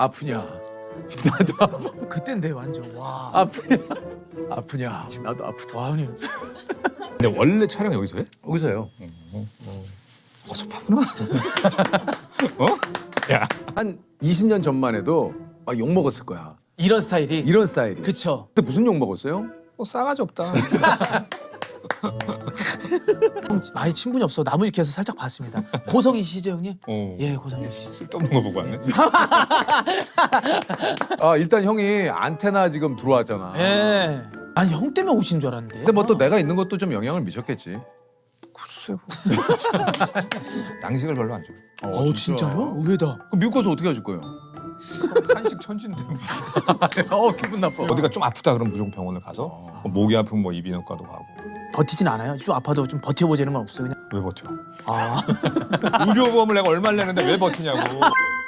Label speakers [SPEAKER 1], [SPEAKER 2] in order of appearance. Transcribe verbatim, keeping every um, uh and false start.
[SPEAKER 1] 아프냐? 나도 아파.
[SPEAKER 2] 그땐데 완전 와.
[SPEAKER 1] 아프냐? 아프냐? 지금 나도 아프다.
[SPEAKER 2] 와 형님.
[SPEAKER 3] 근데 원래 촬영 여기서 해?
[SPEAKER 1] 여기서요.
[SPEAKER 3] 허접하구나. 어? 야.
[SPEAKER 1] 한 이십 년 전만 해도 아, 욕 먹었을 거야.
[SPEAKER 2] 이런 스타일이.
[SPEAKER 1] 이런 스타일이.
[SPEAKER 2] 그쵸.
[SPEAKER 1] 근데 무슨 욕 먹었어요?
[SPEAKER 3] 뭐 싸가지 없다.
[SPEAKER 2] 형 아예 친분이 없어. 나무위키에서 살짝 봤습니다. 고성이시죠 형님?
[SPEAKER 3] 어.
[SPEAKER 2] 예 고성이 씨.
[SPEAKER 3] 쓸데없는 거 보고 왔네.
[SPEAKER 1] 아 일단 형이 안테나 지금 들어왔잖아.
[SPEAKER 2] 예. 아니 형 때문에 오신 줄 알았는데.
[SPEAKER 1] 근데 뭐 또 내가 있는 것도 좀 영향을 미쳤겠지.
[SPEAKER 3] 글쎄. 양식을 별로 안 좋아.
[SPEAKER 2] 어 진짜요? 의외다.
[SPEAKER 1] 그럼 미국 가서 어떻게 하실 거예요?
[SPEAKER 3] 한식 천진데.
[SPEAKER 1] 어 기분 나빠.
[SPEAKER 3] 어디가 좀 아프다 그럼 무조건 병원을 가서 뭐 목이 아프면 뭐 이비인후과도 가고.
[SPEAKER 2] 버티진 않아요? 좀 아파도 좀 버텨보자는 건 없어요 그냥.
[SPEAKER 3] 왜 버텨?
[SPEAKER 2] 아.
[SPEAKER 3] 의료보험을 내가 얼마를 내는데 왜 버티냐고.